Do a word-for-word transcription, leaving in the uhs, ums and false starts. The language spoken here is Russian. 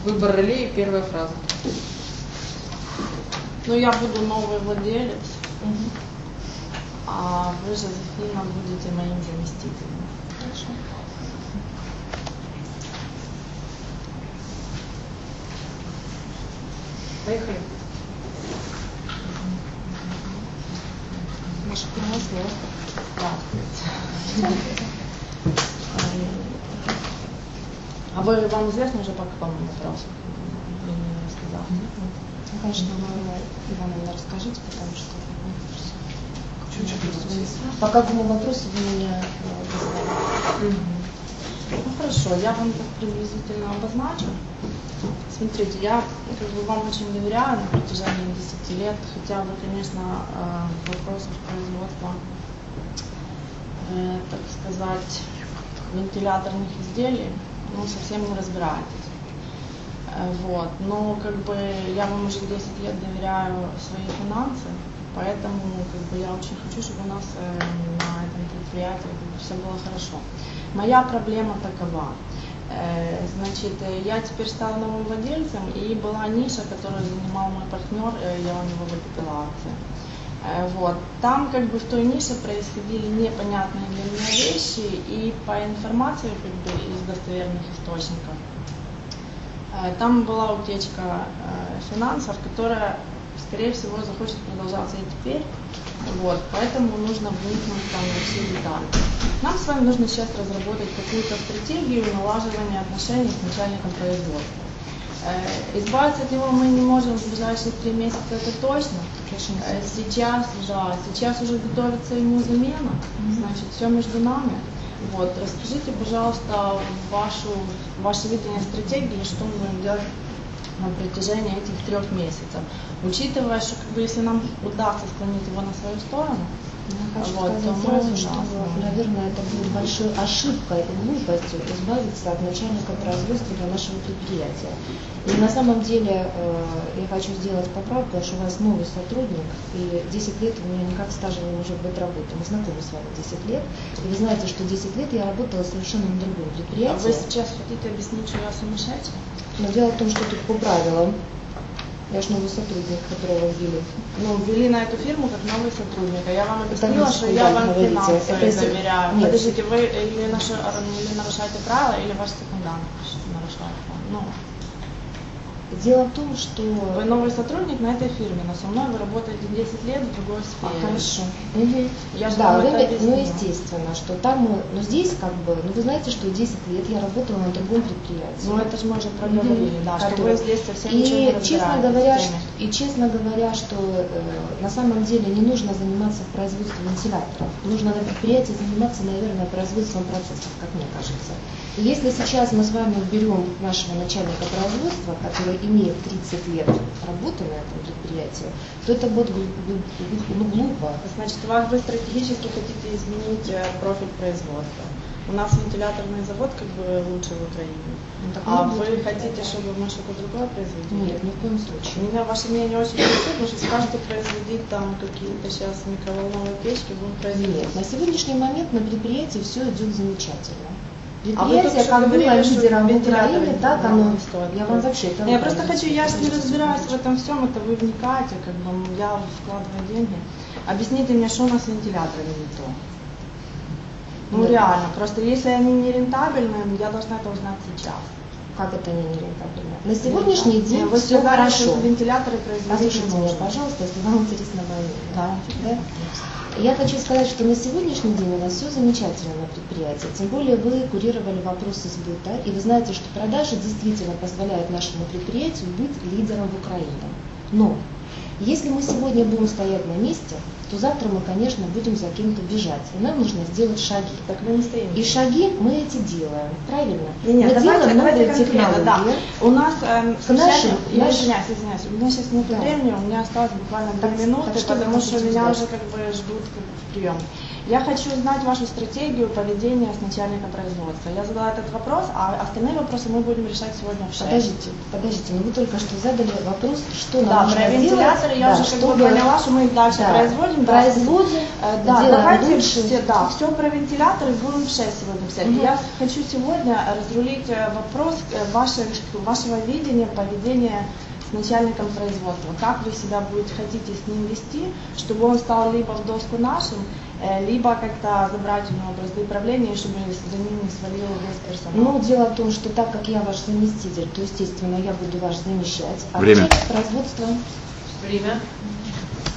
Выбор ролей, первая фраза. Ну, я буду новый владелец, Угу. а вы, Жозефина, будете моим заместителем. Хорошо. Поехали. Маша, первое слово. Здравствуйте. А вы, вам известно уже по какому вопросу? Я не рассказала. Ну, конечно, Ивановна, расскажите, потому что по какому вопросу вы меня вызывали? Ну хорошо, я вам так приблизительно обозначу. Смотрите, я как бы вам очень доверяю на протяжении десяти лет, хотя вы, конечно, в вопросах производства, э, так сказать, вентиляторных изделий, ну, совсем не разбираетесь. Э, вот. Но как бы я вам уже десять лет доверяю свои финансы, поэтому как бы я очень хочу, чтобы у нас э, на этом предприятии как бы, все было хорошо. Моя проблема такова. Значит, я теперь стала новым владельцем, и была ниша, которую занимал мой партнер, я у него выкупила акции. Вот. Там как бы в той нише происходили непонятные для меня вещи, и по информации как бы из достоверных источников, там была утечка финансов, которая, скорее всего, захочет продолжаться и теперь. Вот, поэтому нужно вникнуть там во все детали. Нам с вами нужно сейчас разработать какую-то стратегию налаживания отношений с начальником производства. Э, избавиться от него мы не можем в ближайшие три месяца, это точно. Э, сейчас, да, сейчас уже готовится ему замена, значит, все между нами. Вот, расскажите, пожалуйста, вашу, ваше видение стратегии, что мы будем делать на протяжении этих трех месяцев, учитывая, что как бы, если нам удастся склонить его на свою сторону, я хочу вот, сказать то сразу, мы, что, да, наверное, это будет большой ошибкой и глупостью избавиться от начальника производства для нашего предприятия. И на самом деле э, я хочу сделать поправку, потому что у вас новый сотрудник, и десять лет у меня никак стажа не может быть работы. Мы знакомы с вами десять лет, и вы знаете, что десять лет я работала совершенно на другом предприятии. А вы сейчас хотите объяснить, что я сумасшедшая? Но дело в том, что тут по правилам, я же новый сотрудник, которого ввели. Ну, ввели на эту фирму как новый сотрудник, а я вам объяснила, что я вам говорите. финансово Это если... доверяю. Нет. Подождите, вы или, наш... или нарушаете правила, или ваш секундант нарушает. Ну. Дело в том, что... Вы новый сотрудник на этой фирме, но со мной вы работаете десять лет в другой сфере. А, хорошо. Угу. Я же да, вам вы, это объяснила. ну естественно, что там, ну здесь как бы, ну вы знаете, что десять лет я работала на другом предприятии. Ну это же мы уже проговорили, угу. Да, что вы здесь совсем и, ничего не честно говоря, что, и честно говоря, что э, на самом деле не нужно заниматься производством вентиляторов. Нужно на предприятии заниматься, наверное, производством процессов, как мне кажется. И если сейчас мы с вами уберем нашего начальника производства, который имеет тридцать лет работы на этом предприятии, то это будет ну, глупо. Значит, вы стратегически хотите изменить профиль производства. У нас вентиляторный завод как бы лучший в Украине. Ну, а вы хотите, чтобы мы что-то другое производили? Нет, ни в коем случае. Меня ваше мнение очень интересует, потому что скажете производить там какие-то сейчас микроволновые печки, будем производить. Нет, на сегодняшний момент на предприятии все идет замечательно. Предприятие, а как было лидером в Украине, так оно. Я вам вообще это Я просто хочу, я же не разбираюсь в этом всем, это вы вникаете, как бы я вкладываю деньги. Объясните мне, что у нас с вентиляторами не то. Ну Нет. Реально, просто если они не рентабельны, я должна это узнать сейчас. Как это они не рентабельны? На сегодняшний да. день вы все сказали, хорошо. Что вентиляторы производить Послушайте меня, пожалуйста, если вам интересно мое мнение. Да. Да? Я хочу сказать, что на сегодняшний день у нас все замечательно на предприятии. Тем более вы курировали вопросы сбыта, и вы знаете, что продажи действительно позволяют нашему предприятию быть лидером в Украине. Но если мы сегодня будем стоять на месте, то завтра мы, конечно, будем за кем-то бежать. И нам нужно сделать шаги. Так мы не стоим. И шаги мы эти делаем. Правильно? Нет, нет, мы давайте, делаем давайте новые технологии. Да. У нас, э, нашим, я наш... извиняюсь, извиняюсь, у меня сейчас нет да. времени, у меня осталось буквально две минуты, так что потому что меня ждать? уже как бы ждут как бы, в прием. Я хочу знать вашу стратегию поведения с начальником производства. Я задала этот вопрос, а остальные вопросы мы будем решать сегодня в шесть. Подождите, подождите, но вы только что задали вопрос, что Да, нам нужно про вентиляторы делать, я да, уже как чтобы... бы поняла, что мы их дальше да, производим. производим, да, да, делаем давайте лучше. все, да, все про вентиляторы будем в шесть сегодня взять. Угу. Я хочу сегодня разрулить вопрос вашего, вашего видения поведения с начальником производства. Как вы себя будете, хотите с ним вести, чтобы он стал либо в доску нашим, либо как-то забрать у него бразды правления, чтобы за ним не свалил весь персонал. Ну, дело в том, что так как я ваш заместитель, то, естественно, я буду вас замещать. А Время. производство... Время.